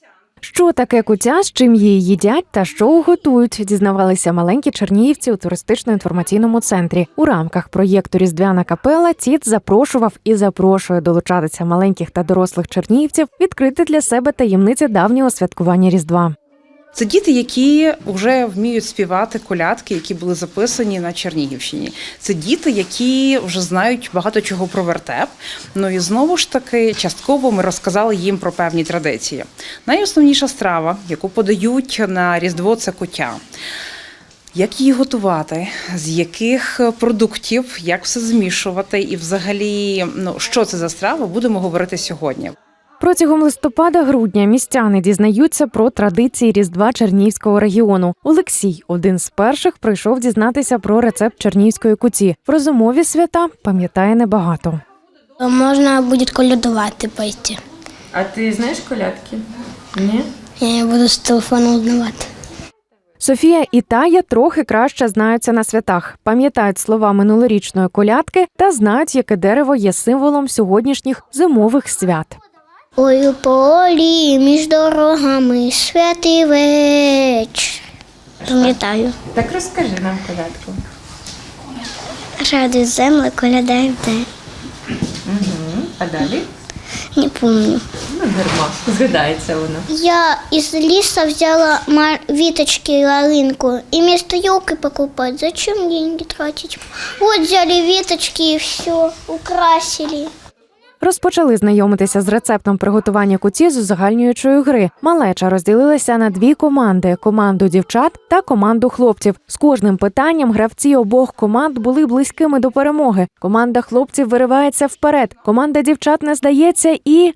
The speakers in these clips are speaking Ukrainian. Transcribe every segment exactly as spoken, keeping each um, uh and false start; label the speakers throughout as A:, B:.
A: Що таке куття, з чим її їдять та що готують, дізнавалися маленькі чернігівці у туристично-інформаційному центрі. У рамках проєкту «Різдвяна капела» ТІТ запрошував і запрошує долучатися маленьких та дорослих чернігівців відкрити для себе таємниці давнього святкування Різдва.
B: Це діти, які вже вміють співати колядки, які були записані на Чернігівщині. Це діти, які вже знають багато чого про вертеп. Ну і знову ж таки, частково ми розказали їм про певні традиції. Найосновніша страва, яку подають на Різдво, це куття. Як її готувати, з яких продуктів, як все змішувати і взагалі, ну, що це за страва, будемо говорити сьогодні.
A: Протягом листопада-грудня містяни дізнаються про традиції Різдва Чернігівського регіону. Олексій один з перших прийшов дізнатися про рецепт чернігівської куті. В розумові свята пам'ятає небагато.
C: Можна буде колядувати пойти.
D: А ти знаєш колядки? Ні?
C: Я буду з телефону узнавати.
A: Софія і Тая трохи краще знаються на святах, пам'ятають слова минулорічної колядки та знають, яке дерево є символом сьогоднішніх зимових свят.
C: Ой, у полі між дорогами святий вечір. Пам'ятаю.
D: Так розкажи нам колядку.
C: Радуй землю, колядай в день.
D: Угу. А далі?
C: Не пам'ятаю.
D: Ну, дарма. Згадається вона.
C: Я из леса взяла веточки и ялинку. И вместо елки покупать. Зачем деньги тратить? Вот взяли веточки и все, украсили.
A: Розпочали знайомитися з рецептом приготування куті з узагальнюючої гри. Малеча розділилися на дві команди – команду дівчат та команду хлопців. З кожним питанням гравці обох команд були близькими до перемоги. Команда хлопців виривається вперед, команда дівчат не здається і…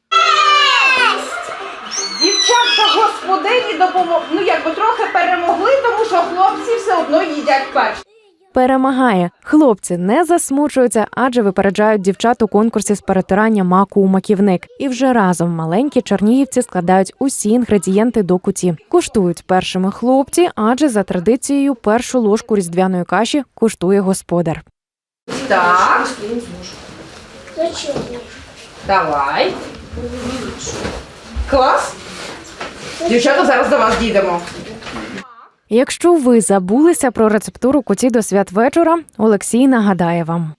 B: Дівчатка господині допомогли, ну якби трохи перемогли, тому що хлопці все одно їдять перші.
A: перемагає. Хлопці не засмучуються, адже випереджають дівчат у конкурсі з перетирання маку у маківник. І вже разом маленькі чернігівці складають усі інгредієнти до куті. Куштують першими хлопці, адже за традицією першу ложку різдвяної каші куштує господар.
D: Так. Давай.
B: Клас? Дівчата, зараз до вас дійдемо.
A: Якщо ви забулися про рецептуру куті до святвечора, Олексій нагадає вам.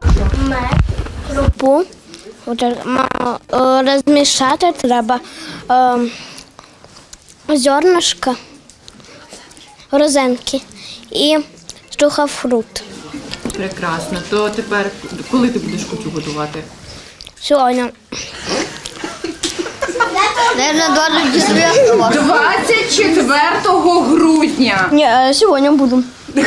C: Крупу розмішати треба, е, зернышко, розенки і сухофрукт.
D: Прекрасно. То тепер, коли ти будеш кутю готувати?
C: Сьогодні.
B: двадцять четвертого грудня.
C: Ні, сьогодні буду.